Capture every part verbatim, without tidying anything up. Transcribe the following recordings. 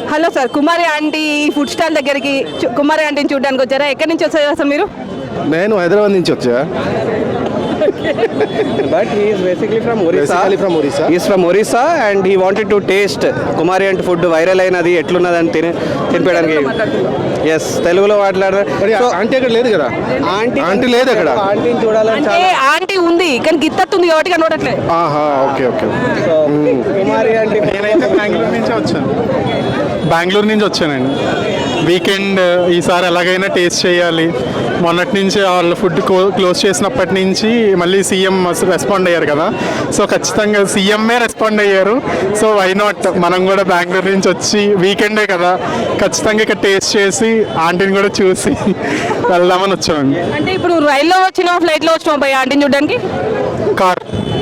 Hello sir, Kumari aunty food stall దగ్గరికి చు- కుమారి ఆంటీని చూడడానికి వచ్చారా? ఎక్కడి నుంచి వచ్చారు అసలు మీరు? నేను హైదరాబాద్ నుంచి వచ్చా. But he is basically from Orissa. Basically from Orissa. He is from Orissa and he wanted to taste Kumari and food viral అయినది ఎట్లున్నదని తిని తినిపించడానికి. ఎస్, తెలుగులో మాట్లాడారు. మరి So, ఆంటీ అక్కడ లేదు కదా, ఆంటీ ఆంటీ లేదు అక్కడ. ఆంటీని చూడాలని అంటే చాలా. ఆంటీ ఉంది కానీ గిత్తత్తుంది కాబట్టి కనబడట్లేదు. ఆహా, okay okay. So, Kumari aunty నేనైతే బెంగళూరు నుంచి వచ్చాను బెంగళూరు నుంచి వచ్చానండి. వీకెండ్ ఈసారి ఎలాగైనా టేస్ట్ చేయాలి. మొన్నటి నుంచి వాళ్ళ ఫుడ్ క్లోజ్ చేసినప్పటి నుంచి మళ్ళీ సీఎం రెస్పాండ్ అయ్యారు కదా, సో ఖచ్చితంగా సీఎంఏ రెస్పాండ్ అయ్యారు. సో వై నాట్ మనం కూడా బెంగళూరు నుంచి వచ్చి వీకెండే కదా, ఖచ్చితంగా ఇక్కడ టేస్ట్ చేసి ఆంటీని కూడా చూసి వెళ్దామని వచ్చామండి. అంటే ఇప్పుడు నువ్వు రైల్లో వచ్చినావు, ఫ్లైట్లో వచ్చినావు భయ్య ఆంటీని చూడడానికి? కార్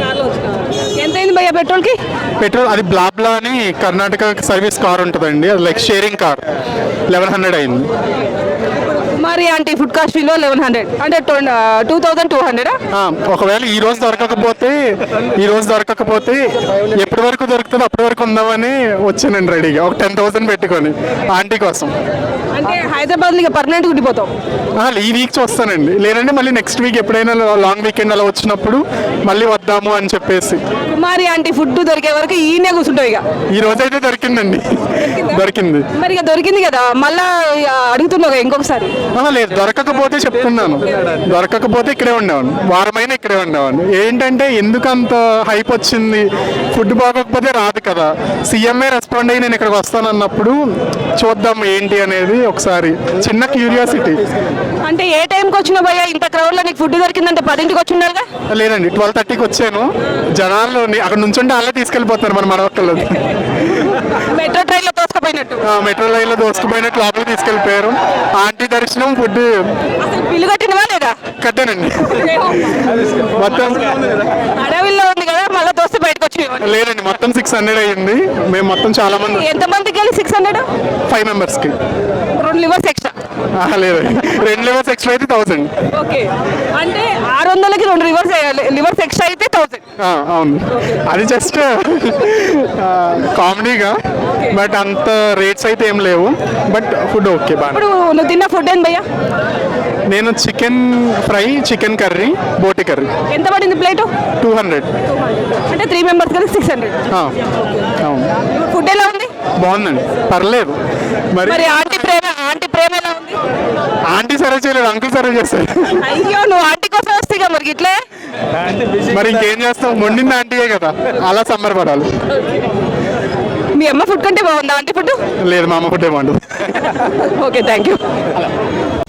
ఎంత అయింది భయ్య పెట్రోల్కి? పెట్రోల్ అది బ్లాబ్లా అని కర్ణాటక సర్వీస్ కార్ ఉంటుందండి, అది like sharing car, eleven hundred అయింది. కుమారి ఆంటీ ఫుడ్ కాస్ట్ విలువ లెవెన్ హండ్రెడ్ అంటే టూ థౌజండ్ టూ హండ్రెడా? ఆ, ఒకవేళ ఈ రోజు దొరకకపోతే ఈ రోజు దొరకకపోతే ఎప్పటి వరకు దొరుకుతుందో అప్పటి వరకు ఉందామని వచ్చానండి రెడీగా, ఒక టెన్ థౌసండ్ పెట్టుకొని ఆంటీ కోసం. అంటే హైదరాబాద్లో ఇక పర్మనెంట్ ఉండిపోతావు? ఆ, ఈ వీక్ వస్తానండి, లేదంటే మళ్ళీ నెక్స్ట్ వీక్ ఎప్పుడైనా లాంగ్ వీకెండ్ అలా వచ్చినప్పుడు మళ్ళీ వద్దాము అని చెప్పేసి. కుమారి ఆంటీ ఫుడ్ దొరికే వరకు ఈయనే కూర్చుంటావు ఇక? ఈ రోజు అయితే దొరికిందండి, దొరికింది. మరి ఇక దొరికింది కదా, మళ్ళా ఇక అడుగుతున్నావు ఇంకొకసారి? ఆ, లేదు, దొరకకపోతే చెప్తున్నాను, దొరకకపోతే ఇక్కడే ఉండేవాడిని, వారమైనా ఇక్కడే ఉండేవాడిని. ఏంటంటే ఎందుకు అంత హైప్ వచ్చింది, ఫుడ్ బాగోకపోతే రాదు కదా, సీఎంఏ రెస్పాండ్ అయ్యి నేను ఇక్కడికి వస్తానన్నప్పుడు చూద్దాం ఏంటి అనేది ఒకసారి చిన్న క్యూరియాసిటీ. అంటే ఏ టైంకి వచ్చినావు భయ్య? ఇంత క్రౌడ్లో నీకు ఫుడ్ దొరికిందంటే పదింటికి వచ్చి ఉండాలిగా? లేదండి, ట్వెల్వ్ థర్టీకి వచ్చాను. జనాలు అక్కడ నుంచుంటే వాళ్ళే తీసుకెళ్ళిపోతున్నారు మన మనవక్కలు. మెట్రో ట్రైన్లో తోసుకుపోయినట్టు. మెట్రో లైన్లో దోసుకుపోయినట్టు లోపలికి తీసుకెళ్ళిపోయారు. ఆంటీ దర్శనం, ఫుడ్ అసలు బిల్లు కట్టినవా లేదా? కట్టానండి మొత్తం. అడవిలో ఉంది కదా, మళ్ళీ దోస్తే బయటకు వచ్చి. లేదండి, మొత్తం సిక్స్ హండ్రెడ్ అయ్యింది. మేము మొత్తం చాలా మంది, ఎంత మందికి వెళ్ళి సిక్స్ హండ్రెడ్? ఫైవ్ మెంబర్స్కి. రెండు లివర్స్ ఎక్స్ట్రా? లేదండి, రెండు లివర్స్ ఎక్స్ట్రా అయితే థౌసండ్. ఓకే, అంటే ఆరు వందలకి రెండు లివర్స్ లివర్స్ ఎక్స్ట్రా అయితే థౌసండ్. అవును, అది జస్ట్ కామెడీగా, బట్ అంత రేట్స్ అయితే ఏం లేవు, బట్ ఫుడ్ ఓకే బాగా. ఇప్పుడు నువ్వు తిన్న ఫుడ్ ఏంది భయ్యా? నేను చికెన్ ఫ్రై, చికెన్ కర్రీ, బోటి కర్రీ. ఎంత పడింది ప్లేటు? Two hundred. అంటే త్రీ మెంబర్స్ కలిసి సిక్స్ హండ్రెడ్. అవును, ఫుడ్ ఎలా ఉంది? బాగుందండి, పర్లేదు. మరి మరి ఆంటీ ప్రేమ ఆంటీ ప్రేమ ఎలా ఉంది? ఆంటీ సర్వ్ చేయలేదు, అంకుల్ సర్వ్ చేస్తారు. అయ్యో, నువ్వు ఆంటీ కోసం వస్తే మరి ఇట్లే. మరి ఇంకేం చేస్తాం, వండింది ఆంటీయే కదా, అలా సంబరపడాలి. మీ అమ్మ ఫుడ్ కంటే బాగుందా ఆంటీ ఫుడ్? లేదు, మా అమ్మ ఫుడ్ ఏమంటుంది. Okay, thank you.